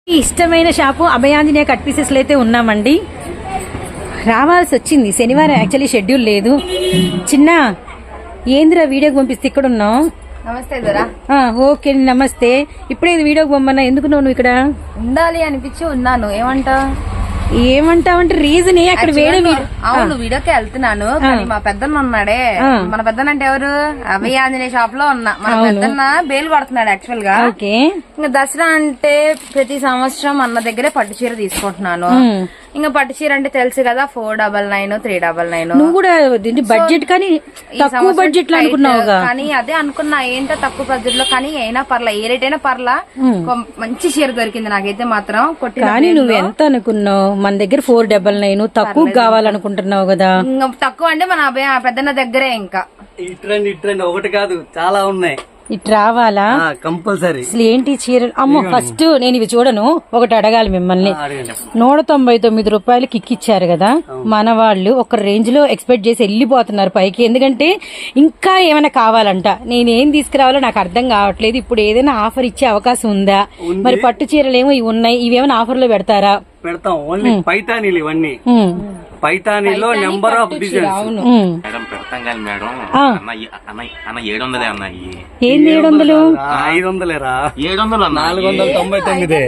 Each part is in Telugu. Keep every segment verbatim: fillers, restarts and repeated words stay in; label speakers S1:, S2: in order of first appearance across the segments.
S1: ఇష్టమైన షాపు అభయాంజనేయ కట్ పీసెస్ లో అయితే ఉన్నామండి. రావాల్సి వచ్చింది, శనివారం యాక్చువల్లీ షెడ్యూల్ లేదు. చిన్న ఏంద్రా వీడియోకి పంపిస్తే ఇక్కడ ఉన్నావు?
S2: నమస్తే దొరా.
S1: ఓకే నమస్తే. ఇప్పుడే వీడియోకి పంపన్నా, ఎందుకు నువ్వు ఇక్కడ
S2: ఉండాలి అనిపించి ఉన్నాను. ఏమంటా
S1: ఏమంటావంటే రీజన్ అక్కడ వేరే.
S2: అవును వీడియోకి వెళ్తున్నాను కానీ మా పెద్దన్న ఉన్నాడే, మన పెద్దన్న అంటే ఎవరు, అభయ ఆంజనేయ షాప్ లో ఉన్నా. మన పెద్దన్న బేలు పడుతున్నాడు యాక్చువల్ గా. ఇంకా దసరా అంటే ప్రతి సంవత్సరం అన్న దగ్గరే పట్టు చీర తీసుకుంటున్నాను. ఇంకా పట్టు చీర అంటే తెలుసు కదా, four double nine three double nine.
S1: నువ్వు కూడా బడ్జెట్ కానీ తక్కువ బడ్జెట్ లో అనుకున్నావు
S2: కానీ అదే అనుకున్నా ఏంటో తక్కువ బడ్జెట్ లో, కానీ అయినా పర్లా, ఏ రేట్ అయినా పర్లా. మంచి చీర దొరికింది నాకైతే మాత్రం. కొట్టి
S1: కానీ నువ్వు ఎంత అనుకున్నావు? మన దగ్గర ఫోర్ డబల్ నైన్ తక్కువ కావాలనుకుంటున్నావు కదా.
S2: తక్కువ అంటే మన అబ్బాయి పెద్దన్న దగ్గరే. ఇంకా
S3: ఇట్రండి ఇట్రండి ఒకటి కాదు చాలా ఉన్నాయి.
S1: ఇటు రావాలా
S3: కంపల్సరీ.
S1: అసలు ఏంటి చీరలు? అమ్మో ఫస్ట్ నేను ఇవి చూడను, ఒకటి అడగాలి మిమ్మల్ని. నూట తొంభై తొమ్మిది రూపాయలు కిక్ ఇచ్చారు కదా మన వాళ్ళు, ఒక రేంజ్ లో ఎక్స్పెక్ట్ చేసి వెళ్ళిపోతున్నారు పైకి. ఎందుకంటే ఇంకా ఏమైనా కావాలంట. నేనేం తీసుకురావాలో నాకు అర్థం కావట్లేదు. ఇప్పుడు ఏదైనా ఆఫర్ ఇచ్చే అవకాశం ఉందా? మరి పట్టు చీరలు ఏమో ఇవి ఉన్నాయి, ఇవేమైనా ఆఫర్ లో పెడతారా?
S3: పెడతాం. ఓన్లీ పైతానీలు ఇవన్నీ. పైతానీలో నెంబర్ ఆఫ్ డిజైన్స్.
S4: మేడం పెడతాం కానీ మేడం అన్న ఏడు వందలే అన్నాయి.
S1: ఏంది ఏడు వందలు?
S3: ఐదు వందలేరా?
S4: ఏడు వందలు
S3: నాలుగు వందల తొంభై తొమ్మిది.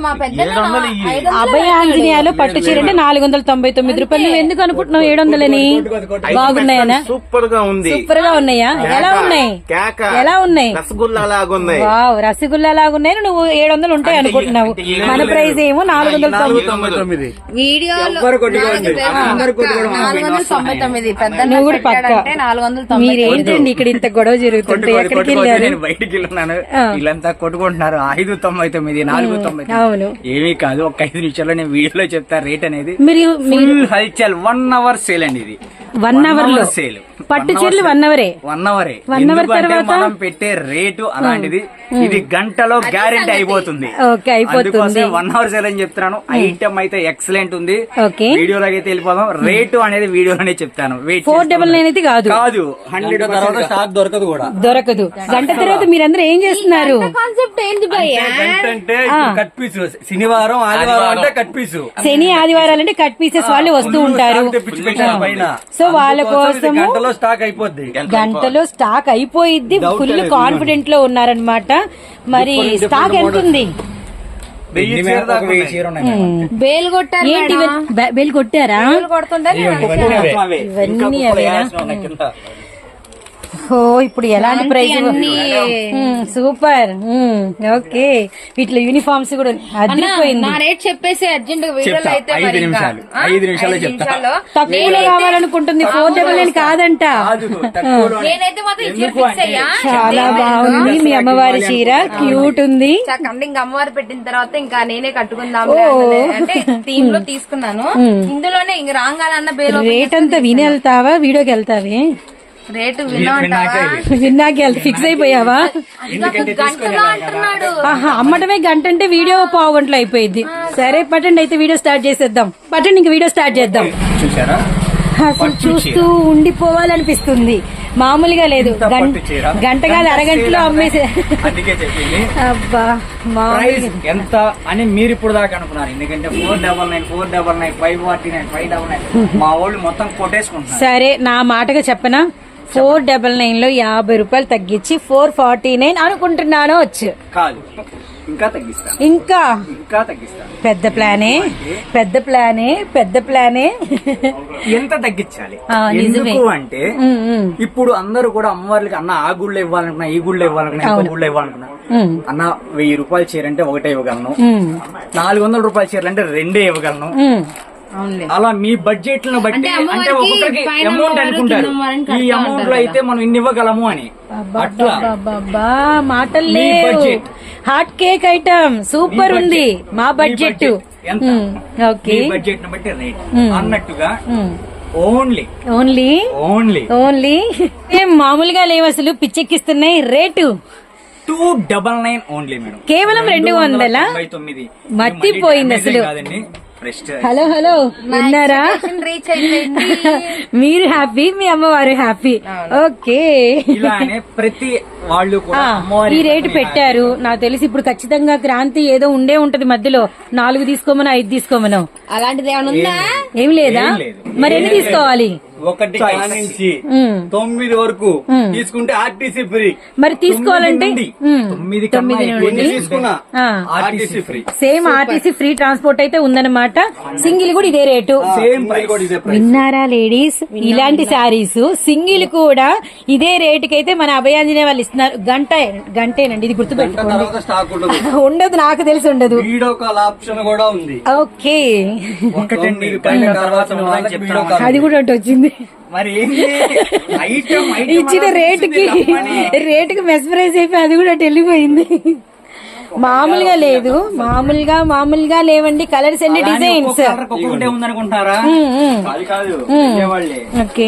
S1: అభయ ఆంజనేయాలో పట్టు చీర అంటే నాలుగు వందల తొంభై తొమ్మిది రూపాయలు. నువ్వు ఎందుకు అనుకుంటున్నావు ఏడు వందలని? బాగున్నాయనా?
S4: సూపర్ గా ఉంది.
S1: సూపర్ గా ఉన్నాయా? ఎలా ఉన్నాయి? ఎలా ఉన్నాయి?
S4: రసగుల్లా లాగున్నాయి.
S1: వావ్, రసగుల్లా లాగున్నాయి. నువ్వు ఏడు వందలు ఉంటాయి అనుకుంటున్నావు. మన ప్రైస్ ఏమో నాలుగు వందల తొంభై తొమ్మిది.
S2: వీడియోలో తొంభై తొమ్మిది. పెద్ద
S1: నువ్వు కూడా పక్క. మీరేంటండి ఇక్కడ ఇంత గొడవ జరుగుతుంటే ఎక్కడికి వెళ్ళారు?
S5: బయటికి వెళ్ళినాను, వీళ్ళంతా కొట్టుకుంటున్నారు. ఐదు తొంభై తొమ్మిది నాలుగు తొంభై.
S1: అవును
S5: ఏమీ కాదు, ఒక ఐదు నిమిషాల్లో నేను వీడియోలో చెప్తా రేట్ అనేది.
S1: మీరు
S5: హల్చల్ వన్ అవర్ సేల్ అండి ఇది.
S1: వన్ అవర్ లో
S5: సేల్.
S1: పట్టు చీరలు వన్ అవరే
S5: వన్ అవరే
S1: వన్ అవర్ తర్వాత
S5: మనం పెట్టే రేటు అలాంటిది. ఇది గంటలో గ్యారెంటీ అయిపోతుంది. వన్ అవర్ సేల్ అని చెప్తున్నాను. ఐటమ్ అయితే ఎక్సలెంట్ ఉంది. వీడియోలోకి అయితే వెళ్ళిపోదాం. రేటు అనేది వీడియోలోనే చెప్తాను.
S1: ఫోర్ డబల్ నైన్ అయితే కాదు
S5: కాదు హండ్రెడ్ తర్వాత స్టాక్ దొరకదు కూడా.
S1: దొరకదు. గంట తర్వాత మీరందరూ ఏం చేస్తున్నారు?
S2: కాన్సెప్ట్ ఏంటి
S3: అంటే కట్ పీస్. శనివారం ఆదివారం అంటే కట్ పీస్.
S1: శని ఆదివారాలు అంటే కట్ పీసెస్ వాళ్ళు వస్తూ ఉంటారు. సో వాళ్ళ కోసం
S3: గంటలో స్టాక్ అయిపోద్ది.
S1: గంటలో స్టాక్ అయిపోయిద్ది. ఫుల్ కాన్ఫిడెంట్ లో ఉన్నారనమాట. మరి స్టాక్ ఎంత ఉంది?
S2: బేల్ కొట్టారు.
S1: ఏంటి బేల్ కొట్టారా? ఇవన్నీ అవేనా? ఓ ఇప్పుడు ఎలాంటి ప్రైజ్? సూపర్. ఓకే, వీటిలో యూనిఫామ్స్ కూడా అదిరిపోయింది.
S2: రేట్ చెప్పేసి అర్జెంట్ వీడియోలో అయితే
S5: ఐదు నిమిషాలు ఐదు నిమిషాలు చెప్తా.
S1: తక్కువలో కావాలనుకుంటుంది. ఫోర్ డబల్ నైన్ కాదంట.
S2: నేనైతే మాత్రం ఈ చీర ఫిక్స్ అయ్యా.
S1: చాలా బాగుంది. మీ అమ్మవారి చీర క్యూట్ ఉంది.
S2: ఇంకా అమ్మవారు పెట్టిన తర్వాత ఇంకా నేనే కట్టుకుందాం అంటే థీమ్ లో తీసుకున్నాను. ఇందులోనే ఇంక రాగాలన్న బేల్.
S1: రేట్ అంతా విని వెళ్తావా? వీడియోకి వెళ్తావే?
S2: రేటు విన్నాక
S1: వెళ్తే ఫిక్స్ అయిపోయావా? అమ్మటమే గంట అంటే వీడియో పావు గంటలో అయిపోయింది. సరే పట్టండి, అయితే వీడియో స్టార్ట్ చేసేద్దాం. పట్టండి, ఇంక వీడియో స్టార్ట్ చేద్దాం.
S5: చూసారా,
S1: అసలు చూస్తూ ఉండిపోవాలనిపిస్తుంది. మామూలుగా లేదు. గంట కాదు అరగంటలో అమ్మేసే. అబ్బా
S5: ఎంత అని మీరు ఇప్పుడు దాకా అనుకున్నారు. ఎందుకంటే four double nine four double nine five forty nine five double nine మా వాళ్ళు మొత్తం కొట్టేసుకుంటారు.
S1: సరే నా మాటగా చెప్పనా, ఫోర్ డబల్ నైన్ లో యాభై రూపాయలు తగ్గించి ఫోర్ ఫార్టీ నైన్ అనుకుంటున్నాను. వచ్చు
S5: కాదు, ఇంకా తగ్గిస్తా.
S1: ఇంకా
S5: ఇంకా తగ్గిస్తా.
S1: పెద్ద ప్లానే పెద్ద ప్లానే పెద్ద ప్లానే.
S5: ఎంత తగ్గించాలి? ఎందుకు అంటే ఇప్పుడు అందరూ కూడా అమ్మవారికి అన్న ఆ గుళ్ళో ఇవ్వాలనుకున్నా, ఈ గుళ్ళో ఇవ్వాలనుకున్నా, ఇంకో గుళ్ళో ఇవ్వాలనుకున్నా, అన్న వెయ్యి రూపాయల చీర అంటే ఒకటే ఇవ్వగలను, నాలుగు వందల రూపాయల చీరలు అంటే రెండే ఇవ్వగలను. అలా మీ బడ్జెట్ లను బట్టి అంటే ఒక్కొక్కరికి అమౌంట్ అనుకుంటారు. ఈ అమౌంట్ లో అయితే మనం ఇన్ని ఇవ్వగలము అని. అట్లా
S1: మాటలు budget. Hot cake item super ఉంది. మా బడ్జెట్ ఓకే,
S5: బడ్జెట్ ని బట్టి రేట్ అన్నట్టుగా. ఓన్లీ
S1: ఓన్లీ
S5: ఓన్లీ
S1: ఓన్లీ ఏం మామూలుగా లేవు, అసలు పిచ్చెక్కిస్తున్నాయి. Rate
S5: two double nine only madam.
S1: కేవలం రెండు వందల
S5: తొమ్మిది.
S1: మర్చిపోయింది అసలు. హలో హలో విన్నారా?
S2: రీచ్ అయిపోయింది.
S1: మీరు హ్యాపీ, మీ అమ్మవారు హ్యాపీ. ఓకే,
S5: ఇలానే ప్రతి వాళ్ళు కూడా
S1: ఆ,
S5: అమ్మవారి
S1: ఈ రేటు పెట్టారు. నాకు తెలిసి ఇప్పుడు ఖచ్చితంగా క్రాంతి ఏదో ఉండే ఉంటది మధ్యలో, నాలుగు తీసుకోమను ఐదు తీసుకోమను,
S2: అలాంటిది ఏమైనా ఉందా?
S1: ఏం లేదా?
S5: ఏం లేదు.
S1: మరి ఎన్ని తీసుకోవాలి?
S3: ఒకటి కానించి
S1: ఉమ్.
S3: తొమ్మిది వరకు తీసుకుంటే ఆర్టీసీ ఫ్రీ.
S1: మరి తీసుకోవాలంటే
S5: నుండి
S1: ఉమ్.
S5: తొమ్మిది
S1: తొమ్మిది
S5: కన్నా
S1: నుండి.
S3: ఎన్ని తీసుకున్నా
S1: ఆ.
S3: RTC free.
S1: Same RTC free transport అయితే ఉందన్నమాట. సింగిల్ కూడా ఇదే రేటు.
S5: సేమ్
S3: ప్రైస్ కూడా ఇదే ప్రైస్.
S1: విన్నారా లేడీస్? ఇలాంటి శారీస్ సింగిల్ కూడా ఇదే రేటుకి అయితే మన అభయాంజనేయ వాళ్ళు ఇస్తున్నారు. గంట గంటేనండి, ఇది గుర్తుపెట్టుకోండి.
S3: తర్వాత స్టాక్ ఉండదు.
S1: ఉండదు, నాకు తెలిసి ఉండదు.
S3: వీడియో కాల్ ఆప్షన్ కూడా ఉంది.
S1: ఓకే,
S5: ఒకటండి
S3: తొమ్మిది
S5: పైన
S3: పైన
S5: తర్వాత
S3: తర్వాత
S5: ఉన్నదని చెప్తాను.
S3: వీడియో కాల్
S1: అది కూడా ఒకటి వచ్చింది.
S5: మరి ఏంటి ఐటమ్ ఐటమ్
S1: ఇచ్చిన
S5: అలా
S1: రేటుకి
S5: వచ్చింది తప్పని.
S1: రేటుకి మెస్పరైజ్ అయిపోయి అది కూడా అటు వెళ్ళిపోయింది. మామూలుగా లేదు, మామూలుగా మామూలుగా లేవండి కలర్స్ అండ్
S5: అలానే
S1: డిజైన్స్.
S5: ఒక్కొక్క కలర్ ఒక్కొక్కటే ఉందనుకుంటారా? అది కాదు వాళ్ళే.
S1: ఓకే,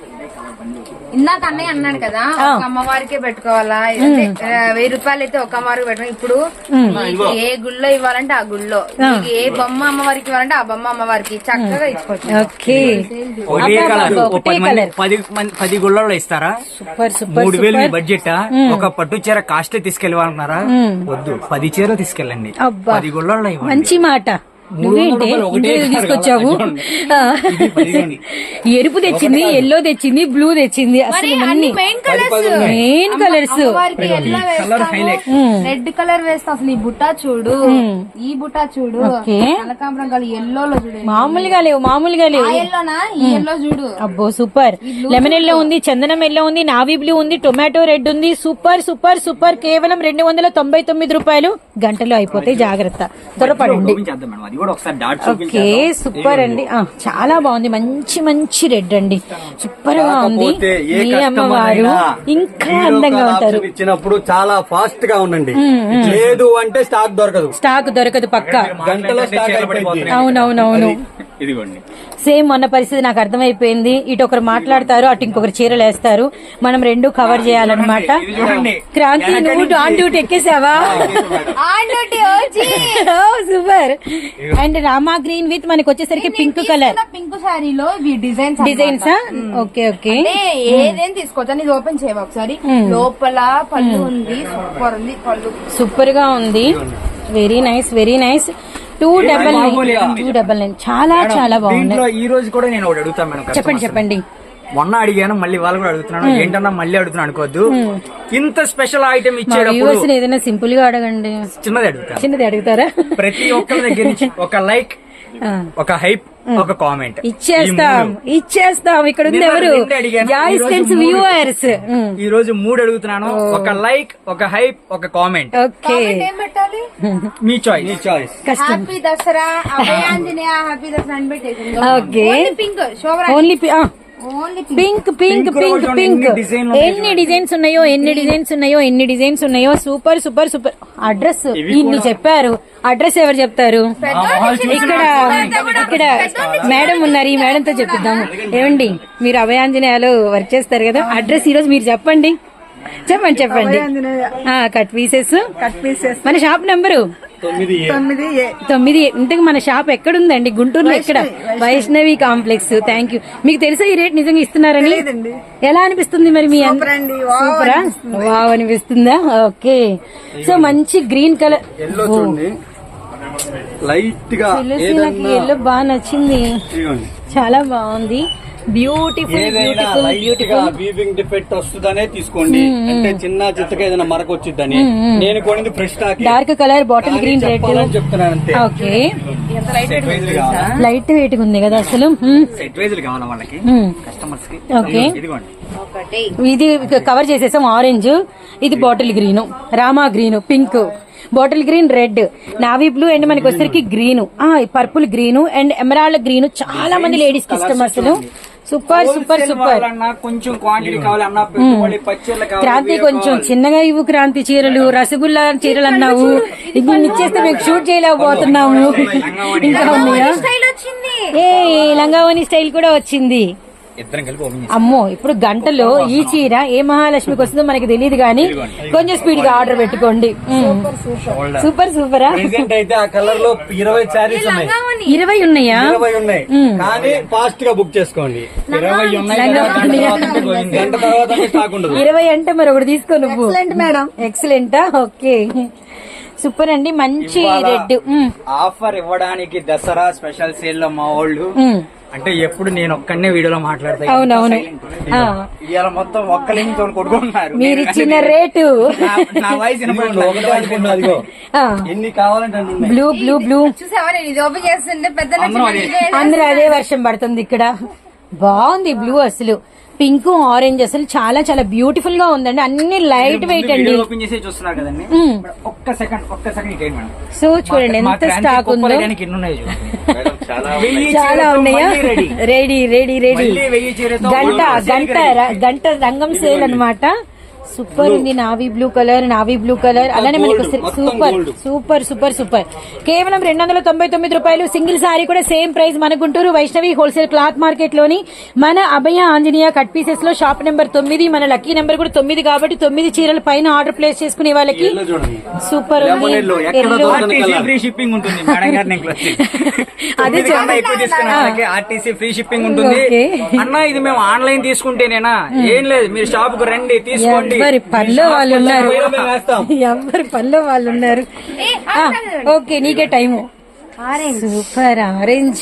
S2: ఇందాక అన్నయ్య అన్నాడు కదా, ఒక అమ్మవారికే పెట్టుకోవాలా అంటే ఆ, వెయ్యి రూపాయలు అయితే ఒక అమ్మవారికి పెట్టుకో. ఇప్పుడు మీకు ఏ గుళ్ళో ఇవ్వాలంటే ఆ గుళ్ళో, మీకు ఏ బొమ్మ అమ్మవారికి ఇవ్వాలంటే ఆ బొమ్మ అమ్మవారికి చక్కగా ఇచ్చుకోవచ్చు.
S1: ఓకే,
S5: ఒకటే కలర్ ఓ
S1: ఒకటే
S5: పది మంది
S1: కలర్.
S5: పది మంది పది గుళ్ళల్లో ఇస్తారా?
S1: సూపర్ సూపర్
S5: మూడు వేలు మీ
S1: సూపర్.
S5: బడ్జెట్ ఒక పట్టు చీర కాస్ట్ తీసుకెళ్ళాలనుకున్నారా? వద్దు, పది చీర తీసుకెళ్ళండి.
S1: అబ్బా.
S5: పది గుళ్ళల్లో ఇవ్వండి.
S1: మంచి మాట. నువ్వేంటి
S5: రూపాయలు ఒకటే
S1: ఇంటికి
S5: కాదు
S1: తీసుకొచ్చావు?
S5: కదా,
S1: ఆ.
S5: పదిహేను.
S1: ఎరుపు తెచ్చింది, ఎల్లో తెచ్చింది, బ్లూ తెచ్చింది,
S2: మరి
S1: అసలు
S2: అన్ని
S1: అన్ని
S2: మెయిన్ కలర్స్
S1: మెయిన్ కలర్స్.
S2: అమ్మవారికి ఎల్లో వేస్తాము, రెడ్ కలర్ వేస్తాం. అసలు ఈ బుట్టా చూడు, ఈ బుట్టా చూడు,
S1: ఓకే.
S2: కనకాంబరం కలర్ ఎల్లోలో చూడు,
S1: మామూలుగా లేవు, మామూలుగా లేవు.
S2: ఆ ఎల్లోనా ఈ ఎల్లో చూడు.
S1: అబ్బో సూపర్. లెమన్ ఎల్లో ఉంది, చందనం ఎల్లో ఉంది, నావీ బ్లూ ఉంది, టొమాటో రెడ్ ఉంది. Super super super. కేవలం రెండు వందల తొంభై తొమ్మిది రూపాయలు. గంటలో అయిపోతాయి, జాగ్రత్త, త్వరపడండి.
S5: చూపించేద్దాం మేడం, అది కూడా ఒకసారి డాట్
S1: ఓకే, సూపర్ అండి. ఆ, చాలా బాగుంది, మంచి మంచి రెడ్ అండి, సూపర్ గా ఉంది.
S3: కాకపోతే ఏ
S1: మీ
S3: కస్టమర్
S1: అమ్మవారు
S3: అయినా
S1: ఇంకా
S3: వీడియో
S1: అందంగా
S3: కాల్
S1: ఉంటారు.
S3: ఆప్షన్ ఇచ్చినప్పుడు చాలా ఫాస్ట్ గా ఉండండి. లేదు అంటే స్టాక్ దొరకదు.
S1: స్టాక్ దొరకదు పక్క.
S3: గంటలో స్టాక్ అయిపోయింది.
S1: అవునవునవును.
S5: ఇదిగోండి.
S1: సేమ్ మొన్న పరిస్థితి నాకు అర్థమైపోయింది. ఇటు ఒకరు మాట్లాడతారు, అటు ఇంకొకరు చీరలు వేస్తారు. మనం రెండు కవర్ చేయాలన్నమాట.
S5: ఇది చూడండి.
S1: క్రాంతి, నువ్వు ఆన్ డ్యూటీ ఎక్కేసావా? Super. And Rama green with మనకి వచ్చేసరికి పింక్ కలర్
S2: పింక్ శారీలో ఇవి డిజైన్స్
S1: డిజైన్స్. ఓకే ఓకే,
S2: ఏదేం తీసుకోవచ్చు. ఇది ఓపెన్ చేయవా ఒకసారి? లోపల పళ్ళు ఉంది, సూపర్ ఉంది పళ్ళు.
S1: సూపర్ గా ఉంది. Very nice, very nice. Two double nine, two double nine, చాలా చాలా బాగుంది.
S5: దీంట్లో ఈ రోజు కూడా నేను ఒకటి అడుగుతాను మేడం.
S1: చెప్పండి
S5: customers.
S1: చెప్పండి.
S5: మొన్న అడిగాను, మళ్ళీ వాళ్ళు కూడా అడుగుతున్నాను. ఏంటన్నా మళ్ళీ అడుగుతున్నాను అనుకోవద్దు. ఇంత స్పెషల్ ఐటమ్
S1: మా
S5: ఇచ్చేటప్పుడు
S1: వ్యూవర్స్ ఏదైనా సింపుల్ గా అడగండి.
S5: చిన్నది అడుగుతాను.
S1: చిన్నది అడుగుతారా?
S5: ప్రతి ఒక్కరి దగ్గర నుంచి ఒక లైక్,
S1: ఆ.
S5: ఒక హైప్, ఒక కామెంట్
S1: ఇచ్చేస్తాం, ఇచ్చేస్తాం. ఇక్కడ ఉంది ఎవరు? జాయిస్టెన్స్ వ్యూవర్స్.
S5: ఈ రోజు మూడు అడుగుతున్నాను. ఒక లైక్, ఒక హైప్, ఒక కామెంట్.
S1: ఓకే,
S2: ఏం పెట్టాలి?
S5: మీ చాయిస్.
S3: నీ చాయిస్.
S1: కష్టం.
S2: హ్యాపీ దసరా అభయాంజనేయ, హ్యాపీ దసరా అని పెట్టేసి
S1: ఓకే,
S2: పింక్ శోభరా,
S1: only
S2: only
S1: pink pink
S5: Pink
S1: pink
S5: రోజు
S1: పింక్.
S5: ఎన్ని design ఉన్నాయో
S1: ఎన్ని డిజైన్స్ ఉన్నాయో, ఎన్ని డిజైన్స్ ఉన్నాయో, ఎన్ని డిజైన్స్ ఉన్నాయో. Super super super. అడ్రస్ ఇన్ని చెప్పారు, అడ్రస్ ఎవరు చెప్తారు? ఇక్కడ ఇక్కడ మేడం ఉన్నారు, ఈ మేడం తో చెప్పిద్దాము. ఏమండి, మీరు అభయాంజనేయాలు వర్క్ చేస్తారు కదా, అడ్రస్ ఈ రోజు మీరు చెప్పండి. చెప్పండి చెప్పండి. ఆ, కట్ పీసెస్, కట్ పీసెస్. మన షాప్ నెంబరు
S3: తొమ్మిది ఏ.
S1: తొమ్మిది. ఇంతకు మన షాప్ ఎక్కడుందండి? గుంటూరులో ఎక్కడ? వైష్ణవి కాంప్లెక్స్. Thank you. మీకు తెలుసా ఈ రేట్ నిజంగా ఇస్తున్నారని? ఎలా అనిపిస్తుంది మరి మీ? సూపరా, వావ్ అనిపిస్తుందా? ఓకే. సో మంచి గ్రీన్ కలర్,
S3: ఎల్లో చూడండి, లైట్ గా
S1: నాకు ఎల్లో బాగా నచ్చింది,
S3: ఇదిగోండి.
S1: చాలా బాగుంది. బ్యూటిఫుల్
S3: ఏదైనా
S1: బ్యూటిఫుల్
S3: లైట్ గా
S1: బ్యూటిఫుల్.
S3: వీవింగ్ డిఫెక్ట్ వస్తుందనే తీసుకోండి. అంటే చిన్న చిత్తగా ఏదైనా మరక వచ్చిద్దని. నేను కొనింది fresh stock.
S1: Dark colour, bottle green red.
S3: చెప్పాలని చెప్తున్నాను అంతే.
S1: ఓకే,
S5: సెట్ వైజ్ కావాలా?
S1: లైట్ వెయిట్ ఉంది కదా అసలు.
S5: సెట్ వైజ్ కావాలా వాళ్ళకి,
S1: మ్మ్.
S5: కస్టమర్స్ కి?
S1: ఓకే,
S5: ఇదిగోండి.
S2: ఒకటి
S1: ఇది కవర్ చేసేసాం. ఆరెంజ్, ఇది bottle green, Rama green, pink, bottle green, red, navy blue, and మనకి వచ్చేసరికి green, purple green and emerald green. చాలా మంది లేడీస్ కి ఇష్టం అసలు. Super super super.
S5: కావాలన్నా, కొంచెం క్వాంటిటీ కావాలన్నా, పెట్టుబడి పచ్చళ్ళు కావాలి.
S1: క్రాంతి కొంచెం చిన్నగా ఇవ్వు. క్రాంతి చీరలు, రసగుల్లా చీరలు అన్నావు, ఇప్పుడు ఇచ్చేస్తే మేము షూట్ చేయలేకపోతున్నాము. ఇంకా ఉన్నాయా?
S2: స్టైల్ వచ్చింది.
S1: ఏ లంగావని స్టైల్ కూడా వచ్చింది.
S5: ఇద్దరం కలిపి ఓపెన్
S1: అమ్మో ఇప్పుడు గంటలో ఈ చీర ఏ మహాలక్ష్మికి వస్తుందో మనకి తెలియదు కానీ కొంచెం స్పీడ్ గా ఆర్డర్ పెట్టుకోండి. సూపర్ సూపరా.
S3: ప్రెసెంట్ అయితే ఆ కలర్ లో ఇరవై శారీస్ ఉన్నాయి.
S1: ఇరవై ఉన్నాయా?
S3: ఇరవై ఉన్నాయి కానీ ఫాస్ట్ గా బుక్ చేసుకోండి.
S5: ఇరవై ఉన్నాయి
S3: గంట తర్వాత స్టాక్ ఉండదు.
S1: ఇరవై అంటే మరి ఒకటి తీసుకో నువ్వు. మేడం ఎక్సలెంటా. ఓకే సూపర్ అండి. మంచి రెడ్
S5: ఆఫర్ ఇవ్వడానికి దసరా స్పెషల్ సేల్ లో మా వాళ్ళు అంటే ఎప్పుడు నేను ఒక్కడనే వీడియోలో మాట్లాడతా.
S1: అవునవును.
S5: ఇవాళ మొత్తం ఒక్కలింతో కొట్టుకుంటున్నారు.
S1: మీరు ఇచ్చిన రేటు
S5: నా వయసు
S3: ఒకటే అనుకున్నా, అదిగో ఎన్ని కావాలంటే అన్ని ఉన్నాయి.
S1: బ్లూ బ్లూ బ్లూ
S2: చూసావా నేను ఇది ఓపెన్ చేస్తుంటే పెద్ద
S1: అందరూ అదే వర్షం పడుతుంది ఇక్కడ. బాగుంది బ్లూ. అసలు పింక్ ఆరెంజ్ అసలు చాలా చాలా బ్యూటిఫుల్ గా ఉందండి. అన్ని లైట్ వెయిట్ అండి.
S5: ఓపెన్ చేసి చూస్తున్నారు కదండి. ఒక్క సెకండ్ ఒక్క సెకండ్ మేడం.
S1: సో చూడండి ఎంత స్టాక్ ఉందో. చాలా ఉన్నాయా? Ready ready ready. గంట గంట గంట రంగం సేల్ అన్నమాట. సూపర్ ఉంది. Navy blue colour, navy blue colour అలానే మనకు సూపర్ సూపర్ సూపర్ సూపర్. కేవలం రెండు వందల తొంభై తొమ్మిది రూపాయలు. సింగిల్ సారీ కూడా సేమ్ ప్రైస్. మన Guntur Vaishnavi wholesale cloth market లోని మన అభయ ఆంజనేయ కట్ పీసెస్ లో షాప్ నెంబర్ తొమ్మిది. మన లక్కీ నెంబర్ కూడా తొమ్మిది కాబట్టి తొమ్మిది చీరల పైన ఆర్డర్ ప్లేస్ చేసుకునే వాళ్ళకి సూపర్ ఉంది.
S5: ఫ్రీ షిప్పింగ్ ఉంటుంది. అదే ఆర్టీసీ ఫ్రీ షిప్పింగ్ ఉంటుంది. అన్న ఇది మేము ఆన్లైన్ తీసుకుంటేనేనా? ఏం లేదు, మీరు షాప్ కు రండి తీసుకోండి.
S1: ఎవరి పనిలో వాళ్ళు ఉన్నారు. ఎవరి పనిలో వాళ్ళు ఉన్నారు. ఓకే నీకే టైము. Super orange.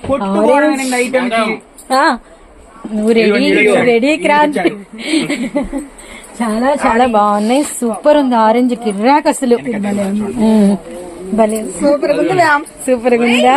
S1: నువ్వు రెడీ రెడీ క్రాంతి. చాలా చాలా బాగున్నాయి. సూపర్ ఉంది ఆరెంజ్. కిర్రాక్ అసలు భలే సూపర్ ఉందా? సూపర్ ఉందా?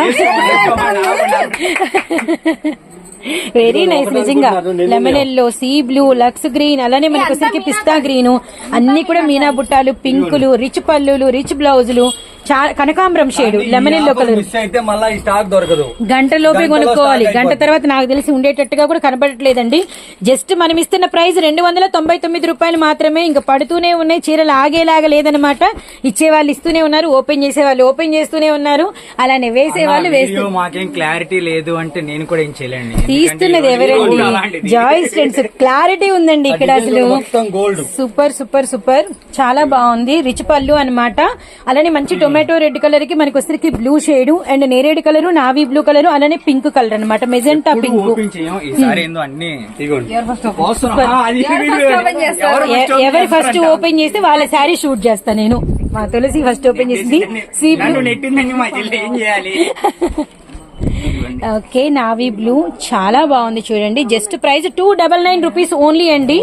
S1: వెరీ నైస్ నిజంగా. Lemon yellow, sea blue, lux green అలానే మనకు వచ్చేసరికి పిస్తా గ్రీన్ అన్ని కూడా మీనా బుట్టాలు, పింకులు, రిచ్ పల్లులు, రిచ్ బ్లౌజులు, కనకాంబరం shade, lemon yellow colour.
S3: Stock దొరకదు.
S1: గంట లోపే కొనుక్కోవాలి. గంట తర్వాత నాకు తెలిసి ఉండేటట్టుగా కూడా కనబడట్లేదండి. జస్ట్ మనం ఇస్తున్న ప్రైస్ రెండు వందల తొంభై తొమ్మిది రూపాయలు మాత్రమే. ఇంకా పడుతూనే ఉన్నాయి. చీరలు ఆగేలాగా లేదనమాట. ఇచ్చే వాళ్ళు ఇస్తూనే ఉన్నారు, ఓపెన్ చేసే వాళ్ళు ఓపెన్ చేస్తూనే ఉన్నారు, అలానే వేసే వాళ్ళు వేస్తూ.
S5: మాకేం క్లారిటీ లేదు అంటే నేను కూడా ఏం చేయలేండి.
S1: తీస్తున్నది ఎవరండి? జాయిస్ ఫ్రెండ్స్. క్లారిటీ ఉందండి ఇక్కడ అసలు. Super super super. చాలా బాగుంది. రిచ్ పళ్ళు అనమాట. అలానే మంచి టొమాటో రెడ్ కలర్ కి మనకి వచ్చరికి బ్లూ షేడ్ అండ్ నేరేడు కలర్, నావీ బ్లూ కలర్ అలానే పింక్ కలర్ అనమాట. Magenta pink. ఎవరు ఫస్ట్ ఓపెన్ చేస్తే వాళ్ళ శారీ షూట్ చేస్తా నేను. మా తులసి ఫస్ట్ ఓపెన్ చేసింది. Sea blue. Okay navy blue చాలా బాగుంది చూడండి. Just price two double nine rupees only అండి.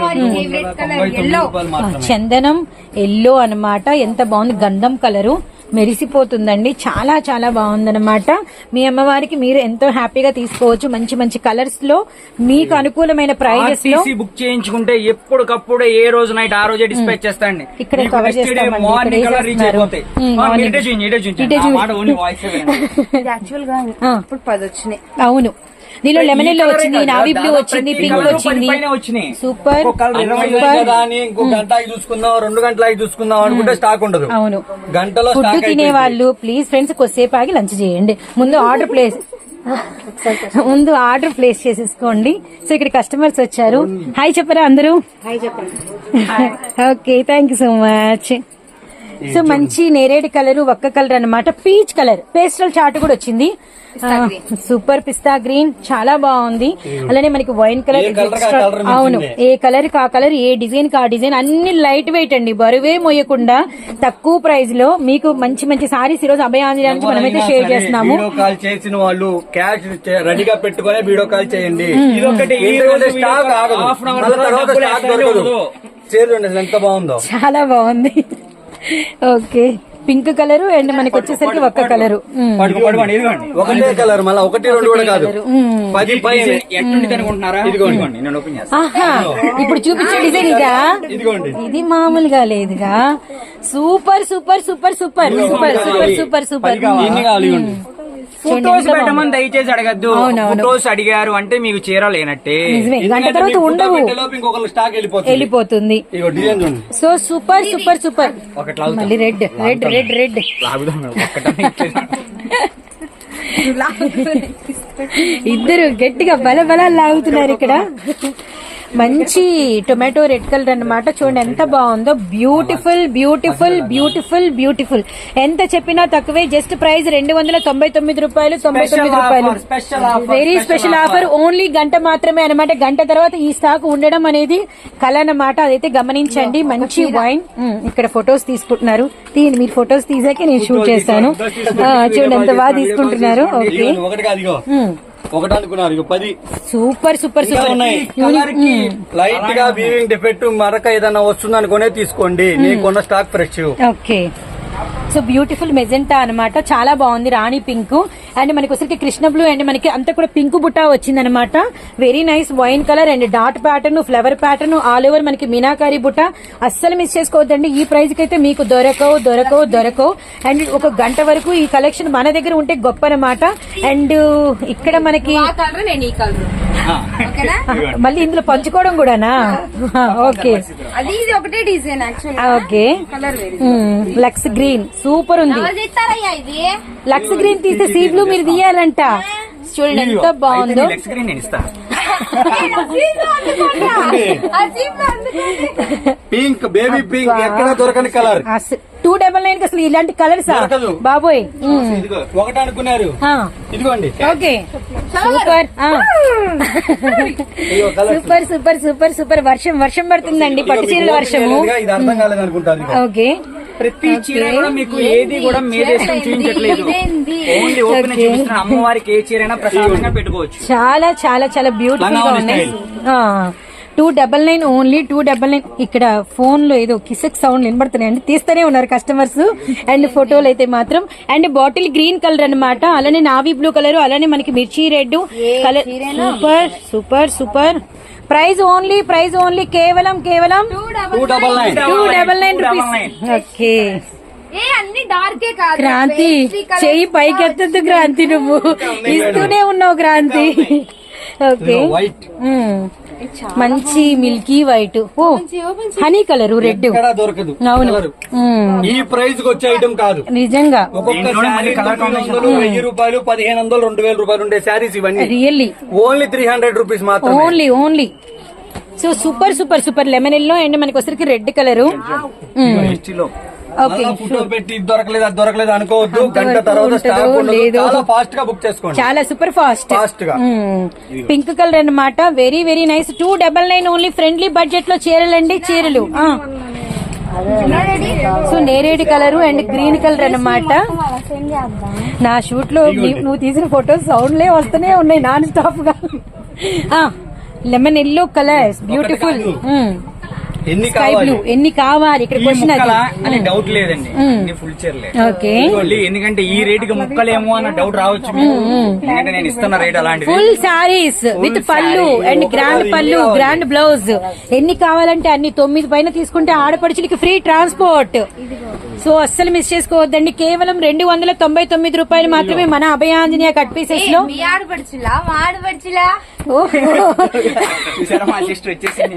S1: చందనం ఎల్లో అన్నమాట. ఎంత బాగుంది. గంధం కలరు మెరిసిపోతుందండి. చాలా చాలా బాగుందన్నమాట. మీ అమ్మవారికి మీరు ఎంతో హ్యాపీగా తీసుకోవచ్చు. మంచి మంచి కలర్స్ లో మీకు అనుకూలమైన ప్రైజెస్ లో
S5: బుక్ చేయించుకుంటే ఎప్పటికప్పుడు ఏ రోజు నైట్ ఆ రోజే డిస్పాచ్ చేస్తాండి.
S1: ఇక్కడ కవర్ చేస్తామండి. అవును దీనిలో లెమన్ ఎల్లో వచ్చింది, నావీ బ్లూ వచ్చింది, పింక్ వచ్చింది. సూపర్.
S3: ఇంకో గంట చూసుకుందాం, రెండు గంటల చూసుకుందాం అనుకుంటే స్టాక్ ఉండదు.
S1: అవును
S3: గంటలో
S1: ఫుడ్ తినే వాళ్ళు ప్లీజ్ ఫ్రెండ్స్ కొద్దిసేపు ఆగి లంచ్ చేయండి. ముందు ఆర్డర్ ప్లేస్ ముందు ఆర్డర్ ప్లేస్ చేసేసుకోండి. సో ఇక్కడ కస్టమర్స్ వచ్చారు. హాయ్ చెప్పరా అందరూ? Okay thank you so much. So మంచి నేరేడు కలర్, ఒక్క కలర్ అన్నమాట. పీచ్ కలర్ పేస్టల్ చార్ట్ కూడా వచ్చింది. సూపర్ పిస్తా గ్రీన్ చాలా బాగుంది. అలానే మనకి వైన్ కలర్. అవును ఏ కలర్ కా కలర్, ఏ డిజైన్ కా డిజైన్ అన్ని లైట్ వెయిట్ అండి. బరువే మోయకుండా తక్కువ ప్రైస్ లో మీకు మంచి మంచి సారీస్ ఈ రోజు అభయాంజనేయానికి మనమైతే షేర్ చేస్తున్నాము.
S3: వీడియో కాల్ చేసిన వాళ్ళు క్యాష్ రెడీగా పెట్టుకునే వీడియో కాల్ చేయండి. ఎంత బాగుందో,
S1: చాలా బాగుంది. ఓకే పింక్ కలర్ అండ్ మనకి వచ్చేసరికి ఒక్క కలర్,
S3: ఒకటే కలర్, మళ్ళీ ఒకటి రెండు కూడా కాదు. పది
S1: ఇప్పుడు చూపించే డిజైన్ ఇదా? ఇది మామూలుగా లేదుగా. Super super super super super super super super.
S5: Photos పెట్టమని దయచేసి అడగద్దు. ఫోటోస్ అడిగారు అంటే మీకు చీర లేనట్టే.
S1: గంట తర్వాత ఉండవు, వెళ్ళిపోతుంది. So super super super. మళ్ళీ రెడ్ రెడ్ రెడ్ రెడ్ ఇద్దరు గట్టిగా బల బల లాగుతున్నారు ఇక్కడ. మంచి టొమాటో రెడ్ కలర్ అన్నమాట. చూడండి ఎంత బాగుందో. Beautiful beautiful beautiful beautiful. ఎంత చెప్పినా తక్కువే. జస్ట్ ప్రైస్ రెండు వందల తొంభై తొమ్మిది రూపాయలు తొంభై తొమ్మిది రూపాయలు. Very special offer. ఓన్లీ గంట మాత్రమే అనమాట. గంట తర్వాత ఈ స్టాక్ ఉండడం అనేది కళ అన్నమాట. అదైతే గమనించండి. మంచి వైన్. ఇక్కడ ఫొటోస్ తీసుకుంటున్నారు. తీయండి మీరు ఫొటోస్ తీసాక నేను షూట్ చేస్తాను. ఆ, చూడండి ఎంత బాగా తీసుకుంటున్నారు. ఓకే
S3: ఒకటి కాదు ఇగో. ఒకటి అనుకున్నారు ఇగో పది.
S1: Super super super.
S3: లైట్ గా వీవింగ్ డిఫెక్ట్ మరక ఏదైనా వస్తుంది అనుకునే తీసుకోండి. నీకున్న stock fresh.
S1: Okay so beautiful magenta అన్నమాట. చాలా బాగుంది. రాణి పింక్ అండ్ మనకి వచ్చరికి కృష్ణ బ్లూ అండ్ మనకి అంతా కూడా పింక్ బుట్టా వచ్చింది అనమాట. Very nice wine colour and dot pattern, flower pattern all over మనకి మీనాకారి బుట్ట. అస్సలు మిస్ చేసుకోవద్దండి. ఈ ప్రైస్ కి అయితే మీకు దొరకవు దొరకవు దొరకవు. అండ్ ఒక గంట వరకు ఈ కలెక్షన్ మన దగ్గర ఉంటే గొప్ప అనమాట. అండ్ ఇక్కడ మనకి
S2: కలర్ నేను ఈ కలర్
S1: మళ్ళీ ఇందులో పంచుకోవడం కూడానా? ఓకే
S2: అది ఇది ఒకటే design actual.
S1: Okay
S2: colour
S1: lux green super ఉంది.
S2: ఇది
S1: లక్స్ గ్రీన్ తీస్తే సీ బ్లూ మీరు తీయాలంట. చూడండి ఎంత బాగుందో.
S5: నెక్స్ట్ స్క్రీన్ నేను ఇస్తాను.
S3: పింక్ బేబీ పింక్ ఎక్కడ దొరకని కలర్.
S1: టూ డబల్ నైన్ అసలు ఇలాంటి కలర్స్
S3: దొరకదు.
S1: బాబోయ్.
S3: ఇదిగో ఒకటి అనుకున్నారు.
S1: ఆ,
S3: ఇదిగోండి.
S1: Okay super. ఆ.
S3: ఇదిగో colour.
S1: Super super super super. వర్షం వర్షం పడుతుందండి. పట్టు చీరల వర్షము.
S3: ఇది అర్థం కాలేదు అనుకుంటారు.
S1: ఓకే
S5: ప్రతి చీర కూడా మీకు ఏది కూడా మేదేశం చూపించట్లేదు. ఓన్లీ ఓపెన్ చూపిస్తున్న అమ్మవారికి ఏ చీర అయినా ప్రశాంతంగా పెట్టుకోవచ్చు.
S1: చాలా చాలా చాలా బ్యూటిఫుల్ గా ఉన్నాయి. Two double nine only two double nine. ఇక్కడ ఫోన్ లో ఏదో కిసక్ సౌండ్ వినబడుతున్నాయండి. తీస్తూనే ఉన్నారు కస్టమర్స్. అండ్ ఫోటోలు అయితే మాత్రం అండ్ బాటిల్ గ్రీన్ కలర్ అన్నమాట. అలానే నావీ బ్లూ కలర్, అలానే మనకి మిర్చి red colour. Super super super. Price only price only కేవలం కేవలం
S3: two double nine
S1: two double nine rupees. Okay
S2: ఏ అన్ని డార్కే కాదు.
S1: క్రాంతి చెయ్యి పైకెత్తద్దు క్రాంతి. నువ్వు ఇస్తూనే ఉన్నావు క్రాంతి. ఓకే
S3: వైట్
S1: మంచి milky white. Oh honey colour red
S3: ఎక్కడ దొరకదు.
S1: అవును
S3: ఈ ప్రైస్ కి వచ్చే ఐటమ్ కాదు
S5: దీంట్లోనే
S3: నిజంగా.
S5: మళ్ళీ colour combination.
S3: వెయ్యి రూపాయలు పదిహేను వందలు రెండు వేల రూపాయలు ఉండే శారీస్ ఇవన్నీ
S1: really
S3: only three hundred rupees మాత్రం.
S1: Only only. So super super super. Lemon yellow and మనకి వచ్చరికి రెడ్ కలర్.
S5: హిస్టరీలో
S1: ఓకే
S3: ఫోటో పెట్టి దొరకలేదు అది దొరకలేదు అనుకోవద్దు. గంట తర్వాత స్టాక్ ఉండదు. చాలా ఫాస్ట్ గా బుక్ చేసుకోండి.
S1: చాలా సూపర్ ఫాస్ట్
S3: ఫాస్ట్ గా.
S1: పింక్ కలర్ అన్నమాట. Very very nice. Two double nine only. Friendly budget లో చీరలండి చీరలు. ఆ. సో నేరేడు కలర్ అండ్ గ్రీన్ కలర్ అన్నమాట. నా షూట్ లో నీ- నువ్వు తీసిన ఫొటోస్ సౌండ్లే వస్తూనే ఉన్నాయి నాన్ స్టాప్ గా. Lemon yellow colours beautiful.
S3: ఎన్ని
S1: స్కై
S3: కావాలి?
S1: బ్లూ ఎన్ని కావాలి ఇక్కడ
S5: ఈ
S1: క్వశ్చన్
S5: ముక్కల
S1: అది.
S5: అని డౌట్ లేదండి. అన్ని ఫుల్ చీరలే.
S1: ఓకే
S5: ఇదిగోండి, ఎందుకంటే ఈ రేట్ కి ముక్కలేమో అన్న డౌట్ రావచ్చు మీకు. ఎందుకంటే నేను ఇస్తున్న రేట్ అలాంటిది.
S1: ఫుల్ సారీస్ విత్ పళ్ళు అండ్ గ్రాండ్ పళ్ళు గ్రాండ్ బ్లౌజ్. ఎన్ని కావాలంటే అన్ని. తొమ్మిది పైన తీసుకుంటే ఆడపడుచులకి ఫ్రీ ట్రాన్స్పోర్ట్. సో అస్సలు మిస్ చేసుకోవద్దండి. కేవలం రెండు వందల తొంభై తొమ్మిది రూపాయలు మాత్రమే మన అభయాంజనేయ కట్ పీసెస్ లో.
S2: మీ ఆడపడుచులా మా ఆడపడుచులా?
S5: చూసారా మా సిస్టర్ వచ్చేసింది.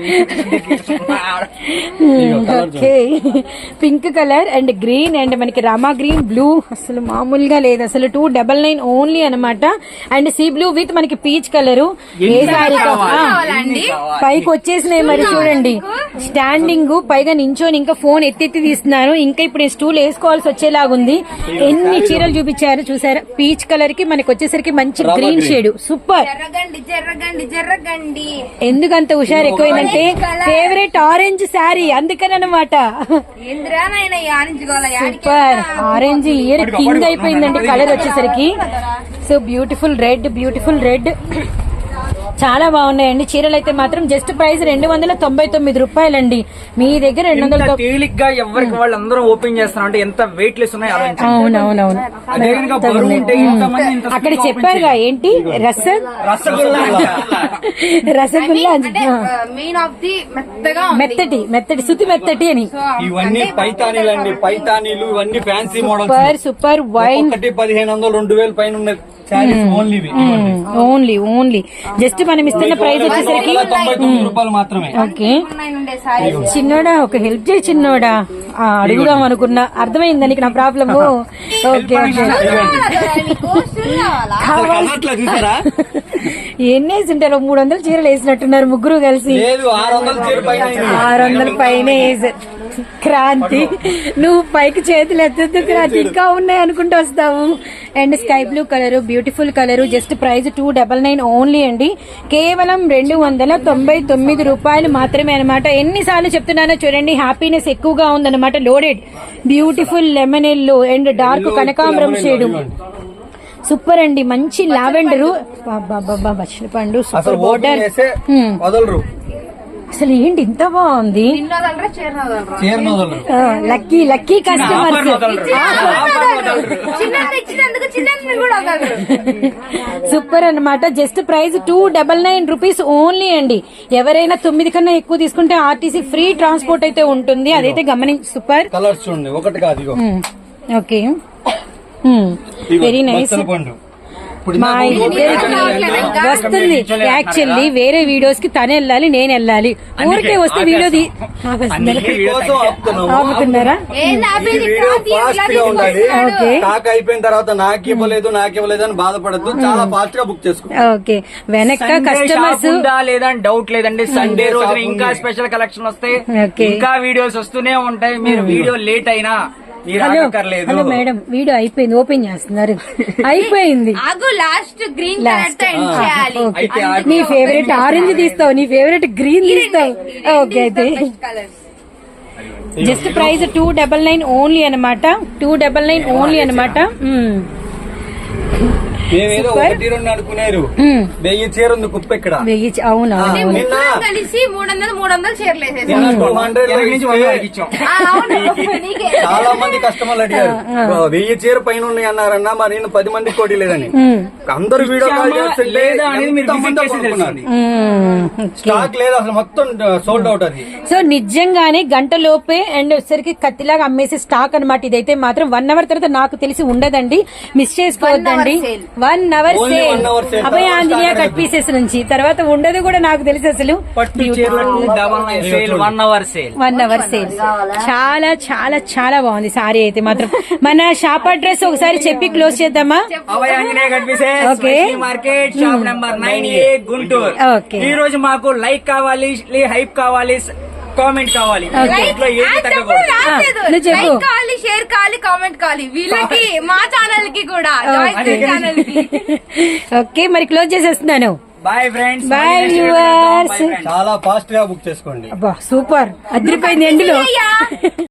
S1: Okay pink colour and green and మనకి రామా గ్రీన్ బ్లూ అసలు మామూలుగా లేదు అసలు. టూ డబల్ నైన్ ఓన్లీ అనమాట. అండ్ సీ బ్లూ విత్ మనకి పీచ్ కలర్. ఏ సారీ పైకి వచ్చేసినాయి మరి చూడండి. స్టాండింగ్ పైగా నించోని ఇంకా ఫోన్ ఎత్తెత్తి తీస్తున్నారు. ఇంకా ఇప్పుడు స్టూల్ వేసుకోవాల్సి వచ్చేలాగుంది. ఎన్ని చీరలు చూపించారు చూసారా. పీచ్ కలర్ కి మనకి వచ్చేసరికి మంచి గ్రీన్ షేడ్. సూపర్.
S2: జర్రగండి జర్రగండి జర్రగండి.
S1: ఎందుకంత హుషారు ఎక్కువైందంటే ఫేవరెట్ ఆరెంజ్ శారీ అందుకని అనమాట.
S2: ఏంద్రా నాయన ఈ ఆరెంజ్ గోల
S1: సూపర్. ఆరెంజ్ ఇయర్ కింగ్ అయిపోయిందండి కలర్ వచ్చేసరికి. So beautiful red beautiful red. చాలా బాగున్నాయండి చీరలు అయితే మాత్రం. జస్ట్ ప్రైస్ రెండు వందల తొంభై తొమ్మిది రూపాయలండి. మీ దగ్గర రెండు వందల
S5: ఎంత తేలిగ్గా ఎవరికి వాళ్ళు అందరూ ఓపెన్ చేస్తున్నారు అంటే ఎంత వెయిట్ లెస్ ఉన్నాయి ఆలోచించండి.
S1: అవునవునవును
S5: అదే కనుక బరువు ఉంటే ఇంతమంది ఇంత
S1: అక్కడ చెప్పారుగా ఏంటి రస
S5: రసగుల్లా
S1: రసగుల్లా
S2: అంటే మెయిన్ ఆఫ్ ది మెత్తగా ఉంది.
S1: మెత్తటి మెత్తటి శృతి మెత్తటి అని.
S3: ఇవన్నీ పైతానీలు అండి. పైతానీలు ఇవన్నీ fancy models.
S1: Super super wine
S3: ఒకటి పదిహేను వందలు రెండు వేల పైన ఉన్న saris only.
S1: Only only just మనం ఇస్తున్న ప్రైస్ వచ్చేసరికి
S3: తొంభై తొమ్మిది రూపాయలు మాత్రమే.
S1: ఓకే
S2: ఉన్నాయి ఉండే సారీ
S1: చిన్నోడా ఒక హెల్ప్ చేయి చిన్నోడా ఆ, అడుగుదాం అనుకున్నా అర్థమైందా నీకు నా ప్రాబ్లమ్ ఓకే ఓకే
S3: అసలు కన్నట్లా చూసారా?
S1: ఎన్ని వేసి ఉంటారు మూడు వందల చీరలు వేసినట్టున్నారు ముగ్గురు కలిసి
S3: లేదు ఆరు వందల చీర పైన అయింది.
S1: ఆరు వందల పైన వేసి క్రాంతి నువ్వు పైకి చేతులు ఎత్తద్దు క్రాంతి ఇంకా ఉన్నాయి అనుకుంటూ వస్తావు. And sky blue colour beautiful colour just price two double nine only అండి. కేవలం రెండు వందల తొంభై తొమ్మిది రూపాయలు మాత్రమే అనమాట. ఎన్నిసార్లు చెప్తున్నానో చూడండి, హ్యాపీనెస్ ఎక్కువగా ఉందన్నమాట. Loaded beautiful lemon yellow and dark కనకాంబరం షేడు సూపర్ అండి. మంచి లావెండరు బచ్చల పండు
S3: అసలు
S1: సూపర్
S3: ఓపెన్
S1: బోర్డర్.
S3: చేస్తే వదలరు,
S1: అసలు ఏంటి ఇంత బాగుంది.
S2: చిన్నదంటే చీరనదలరా
S3: చీరను వదలరు.
S1: Lucky lucky customers.
S2: చిన్న ఇచ్చినందుకు చిన్న కూడా వదలరు.
S1: సూపర్ అన్నమాట. Just price two double nine rupees only అండి. ఎవరైనా తొమ్మిది కన్నా ఎక్కువ తీసుకుంటే ఆర్టీసీ ఫ్రీ ట్రాన్స్పోర్ట్ అయితే ఉంటుంది, అదైతే గమనించి. సూపర్.
S3: కలర్స్ చూడండి, ఒకటి కాదు ఇగో.
S1: ఓకే
S3: ఇగో
S1: వెరీ నైస్.
S3: బచ్చల పండు. ఇప్పుడు
S1: మా
S3: నాకు
S1: ఇద్దరికి వస్తుంది యాక్చువల్లీ వేరే వీడియోస్ కి తనే వెళ్ళాలి నేను వెళ్ళాలి. ఊరికే వస్తే వీడియో ది-
S3: కోసం ఆపుతున్నాము.
S1: ఆపుతున్నారా?
S2: ఏంది ఆపేది?
S3: ఈ వీడియో
S2: క్రాంతి ఇలా
S3: ఫాస్ట్ గా ఉండాలి.
S1: ఓకే.
S3: స్టాక్ అయిపోయిన తర్వాత నాకు ఇవ్వలేదు నాకు ఇవ్వలేదు అని బాధపడద్దు, చాలా ఫాస్ట్ గా బుక్ చేసుకో.
S1: ఓకే వెనక
S5: సండే
S1: కస్టమర్స్
S5: షాప్ ఉందా లేదా అని డౌట్ లేదండి. సండే రోజున ఇంకా స్పెషల్ కలెక్షన్ వస్తాయి,
S1: ఓకే.
S5: ఇంకా వీడియోస్ వస్తూనే ఉంటాయి. మీరు వీడియో లేట్ అయినా మీరు
S1: హలో
S5: ఆగక్కర్లేదు.
S1: హలో మేడం వీడియో అయిపోయింది, ఓపెన్ చేస్తున్నారు. అయిపోయింది.
S2: ఆగు లాస్ట్ గ్రీన్ కలర్ తో ఎండ్ చేయాలి.
S5: అయితే
S1: నీ ఫేవరెట్ ఆరెంజ్ తీస్తావు, నీ ఫేవరెట్ గ్రీన్ తీస్తావు. ఓకే అయితే
S2: colours
S1: just price two double nine only అనమాట. టూ డబల్ నైన్ ఓన్లీ అనమాట.
S3: మేమేదో
S1: Super.
S3: ఒకటి రెండు అనుకునేరు, వెయ్యి చీర ఉంది కుప్ప ఇక్కడ.
S1: వెయ్యి అవునా
S3: ఆ, నిన్న
S2: ముగ్గురం కలిసి మూడు వందలు మూడు వందలు చీరలు వేసేసాం.
S3: నిన్న టూ హండ్రెడ్
S5: వెనక నుంచి వంద వరకు ఇచ్చాం.
S2: ఆ, అవును నీకే.
S3: చాలా మంది కస్టమర్లు అడిగారు వెయ్యి చీర పైన ఉన్నాయి అన్నారన్నా, మరి నేను పది మంది కోటి లేదని. అందరు వీడియో కాల్
S5: ఇచ్చామా
S3: చేస్తుంటే
S5: లేదా అనేది మీరు
S3: ఎంతమంది
S5: visit చేసి
S3: కొనుక్కున్నారు.
S5: తెలుస్తుంది.
S3: స్టాక్ లేదు అసలు, మొత్తం సోల్డ్ అవుట్ అది.
S1: సో నిజంగానే గంట లోపే అండ్ వచ్చేసరికి కత్తిలాగా అమ్మేసే స్టాక్ అనమాట. ఇదైతే మాత్రం వన్ అవర్ తర్వాత నాకు తెలిసి ఉండదండి, మిస్ చేసుకోవద్దండి.
S2: sale.
S1: One hour
S3: Only
S1: sale
S3: one hour sale.
S1: Abhaya
S3: తర్వాత
S1: ఆంజనేయ
S3: start
S1: కట్ పీసెస్ నుంచి తర్వాత ఉండదు కూడా నాకు తెలిసి అసలు.
S5: పట్టు చీరలకు double nine sale, one hour sale.
S1: One hour sale చాలా చాలా చాలా బాగుంది సారీ అయితే మాత్రం. మన షాప్ అడ్రస్ ఒకసారి చెప్పి క్లోజ్ చేద్దామా?
S5: అభయ ఆంజనేయ కనిపిసే
S1: okay.
S5: Market shop number nine A Guntur.
S1: Okay.
S5: ఈ రోజు మాకు లైక్ కావాలి, హైప్ కావాలి, కామెంట్ కావాలి.
S1: ఓకే.
S5: ఇంట్లో ఏది
S2: ఆ, చెప్పు,
S5: తగ్గకూడదు.
S2: రాలేదు.
S1: నువ్వు చెప్పు.
S2: లైక్ కావాలి, షేర్ కావాలి, కామెంట్ కావాలి. వీళ్ళకి మా ఛానల్ కి కూడా ఛానల్ కి.
S1: ఓకే మరి క్లోజ్ చేసేస్తున్నాను.
S5: Bye friends.
S1: Bye, viewers.
S3: చాలా ఫాస్ట్ గా బుక్ చేసుకోండి.
S1: అబ్బా సూపర్ అదిరిపోయింది ఎండులో.
S2: అయ్యా.